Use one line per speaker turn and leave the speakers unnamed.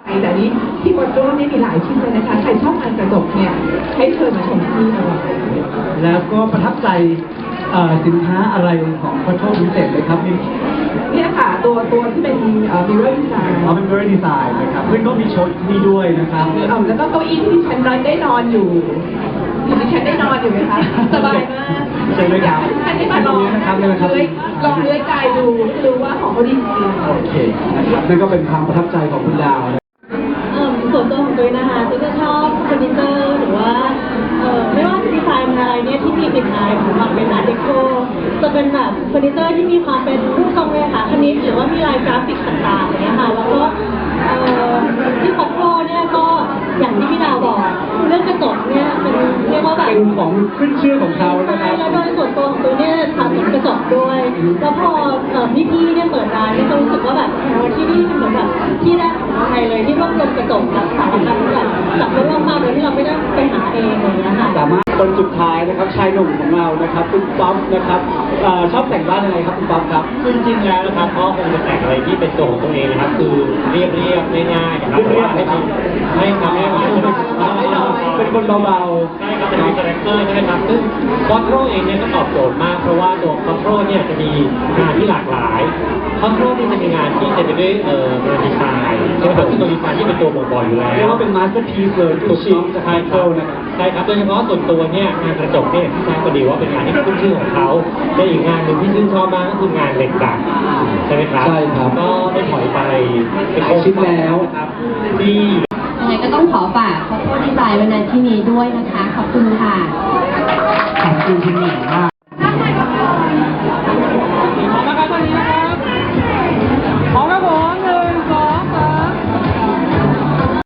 แต่นี้ที่บนร่วมนี่มีหลายชิ้นเลยนะคะใครชอบงานกระจกเนี่ยให้เชิญมาชมที่นี่เลย
แล้วก็ประทับใจสินค้าอะไรของขอโทษพิเศษเลยครับ
เนี่ยค่ะตัวที่เป็นmirror design
เป็น mirror design นะครับซึ่งก็มีโชว์ที่ด้วยนะครับ
แล้วก็เก้าอี้ที่ฉันได้นอนอยู่ดิฉันได้นอนอยู่ไหมคะสบายมาก
ใช่ไหมครับ
ฉันได้มาลอง
นะครับล
องเลื้อยกายดูรู้ว่าของเขาดีจริง
โอเคนะครับนั่นก็เป็นความประทับใจของคุณดาว
ส่วนตัวของตัวนะคะตัวจะชอบเฟอร์นิเจอร์หรือว่าไม่ว่าจะดีไซน์อะไรเนี่ยที่มีกลิ่นอายของความเป็นอาร์ตเดโคจะเป็นแบบเฟอร์นิเจอร์ที่มีความเป็นรูปทรงเลยค่ะคณิตหรือว่ามีลายกราฟิกต่างๆเนี่ยค่ะแล้วก็ที่คอปโปเนี่ยก็อย่างที่พี่ดาวบอกเรื่องกระจกเนี่ยเป็นเรียกว่าแบบ
เป็นของขึ้นชื่อของเขานะครับ
แล้วโดยส่วนตัวของตัวเนี่ยสะสมกระจกด้วยแล้วพอพี่เนี่ยเปิดร้านเนี่ยก็รู้สึกว่าแบบที่นี่เป็นเหมือนแบบที่แรกของไทยเลยที่รวบรวมกระจกแบบสารพัดแบบจับรวบมาโดยที่เราไม่ได้ไปหาเองอะไรอย่างเงี้ยค่ะ
สามารถคนสุดท้ายนะครับชายหนุ่มของเรานะครับคุณป๊อปนะครับชอบแต่งบ้านยังไงครับคุณป๊อปครับ
จริงๆแล้วนะครับก็คงจะแต่งอะไรที่เป็นตัวของตัวเองนะครับคือเรียบง่ายๆนะครับแต่ว่าไม่ทำให้มัน
เป็นคนเบา
ๆใช่ครับเป็นคาแรคเตอร์ใช่ไหมครับซึ่งคอนโทรเองเนี่ยก็ตอบโจทย์มากเพราะว่าตัวคอนโทรเนี่ยจะมีงานที่หลากหลายคอนโทรนี่จะมีงานที่จะไปด้วยงานดีไซน์ใช่ไหมครับซึ่งตัวดีไซน์ที่เป็นตัวบ่งบอกอยู่แล้ว
เรียกว่าเป็นมาสเตอร์พีซเลยทุกชิ้นจะคล้ายโครนะครับ
ใช่ครับโดยเฉพาะส่วนตัวเนี่ยงานกระจกเนี่ยที่ทราบก็ดีว่าเป็นงานที่ขึ้นชื่อของเขาและอีกงานหนึ่งที่ชื่นชอบมากก็คืองานเหล็กดัดใช่ไหมครับ
ใช่ครับ
ก็ได้ถอยไป
หลายชิ้นแล้ว
ครับที่
ยังไงก็ต้องขอฝากขอโทษดีไซน์ไว้ในที่นี้ด้วยนะคะขอบคุณค่ะ
ขอบคุณคุณหนิงมาก